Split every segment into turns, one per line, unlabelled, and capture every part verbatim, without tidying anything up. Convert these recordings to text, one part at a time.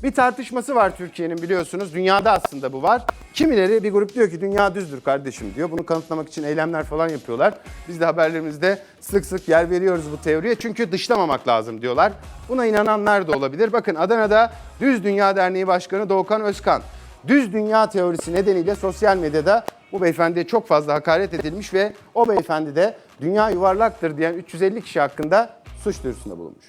Bir tartışması var Türkiye'nin, biliyorsunuz. Dünyada aslında bu var. Kimileri, bir grup diyor ki dünya düzdür kardeşim diyor. Bunu kanıtlamak için eylemler falan yapıyorlar. Biz de haberlerimizde sık sık yer veriyoruz bu teoriye. Çünkü dışlamamak lazım diyorlar. Buna inananlar da olabilir. Bakın, Adana'da Düz Dünya Derneği Başkanı Doğukan Özkan, düz dünya teorisi nedeniyle sosyal medyada bu beyefendiye çok fazla hakaret edilmiş ve o beyefendi de dünya yuvarlaktır diyen üç yüz elli kişi hakkında suç duyurusunda bulunmuş.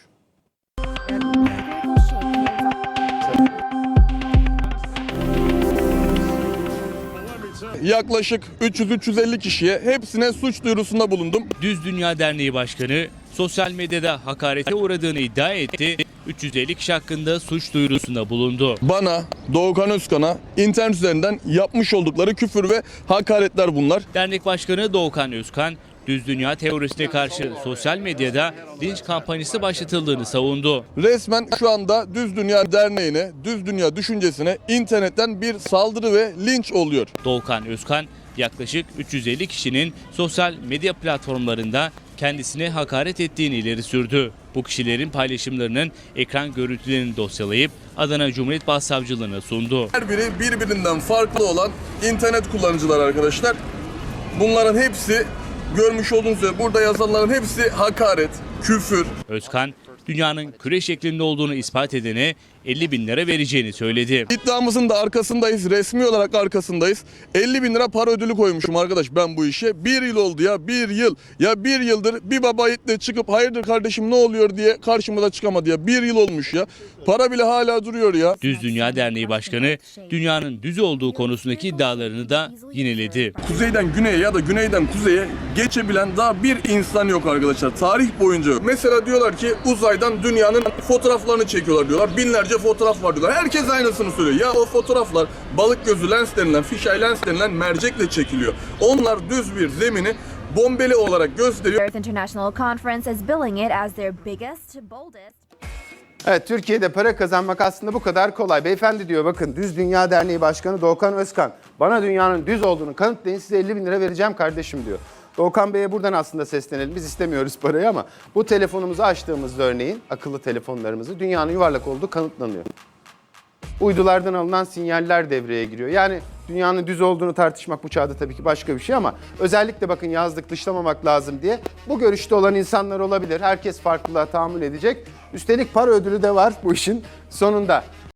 Yaklaşık üç yüz üç yüz elli kişiye hepsine suç duyurusunda bulundum.
Düz Dünya Derneği Başkanı sosyal medyada hakarete uğradığını iddia etti. üç yüz elli kişi hakkında suç duyurusunda bulundu.
Bana, Doğukan Özkan'a internet üzerinden yapmış oldukları küfür ve hakaretler bunlar.
Dernek Başkanı Doğukan Özkan, Düz Dünya teorisine karşı sosyal medyada linç kampanyası başlatıldığını savundu.
Resmen şu anda Düz Dünya Derneği'ne, Düz Dünya düşüncesine internetten bir saldırı ve linç oluyor.
Doğukan Özkan, yaklaşık üç yüz elli kişinin sosyal medya platformlarında kendisine hakaret ettiğini ileri sürdü. Bu kişilerin paylaşımlarının ekran görüntülerini dosyalayıp Adana Cumhuriyet Başsavcılığına sundu.
Her biri birbirinden farklı olan internet kullanıcılar arkadaşlar. Bunların hepsi, görmüş olduğunuz üzere burada yazanların hepsi hakaret, küfür.
Özkan, dünyanın küre şeklinde olduğunu ispat edene elli bin lira vereceğini söyledi.
İddiamızın da arkasındayız, resmi olarak arkasındayız. elli bin lira para ödülü koymuşum arkadaş ben bu işe. Bir yıl oldu ya, bir yıl. Ya bir yıldır bir baba yiğitle çıkıp hayırdır kardeşim ne oluyor diye karşımıza çıkamadı ya. Bir yıl olmuş ya. Para bile hala duruyor ya.
Düz Dünya Derneği Başkanı, dünyanın düz olduğu konusundaki iddialarını da yineledi.
Kuzeyden güneye ya da güneyden kuzeye geçebilen daha bir insan yok arkadaşlar. Tarih boyunca yok. Mesela diyorlar ki uzaydan dünyanın fotoğraflarını çekiyorlar diyorlar. Binlerce fotoğraf var diyorlar. Herkes aynısını söylüyor. Ya o fotoğraflar balık gözü lens denilen, fisheye lens denilen mercekle çekiliyor. Onlar düz bir zemini bombeli olarak gösteriyor.
Earth International Conference is billing it as their biggest, boldest.
Evet, Türkiye'de para kazanmak aslında bu kadar kolay. Beyefendi diyor, bakın, Düz Dünya Derneği Başkanı Doğukan Özkan, bana dünyanın düz olduğunu kanıtlayın, size elli bin lira vereceğim kardeşim diyor. Doğukan Bey'e buradan aslında seslenelim. Biz istemiyoruz parayı ama bu telefonumuzu açtığımızda örneğin, akıllı telefonlarımızı, dünyanın yuvarlak olduğu kanıtlanıyor. Uydulardan alınan sinyaller devreye giriyor. Yani dünyanın düz olduğunu tartışmak bu çağda tabii ki başka bir şey ama özellikle bakın yazdık dışlamamak lazım diye bu görüşte olan insanlar olabilir. Herkes farklılığa tahammül edecek. Üstelik para ödülü de var bu işin sonunda.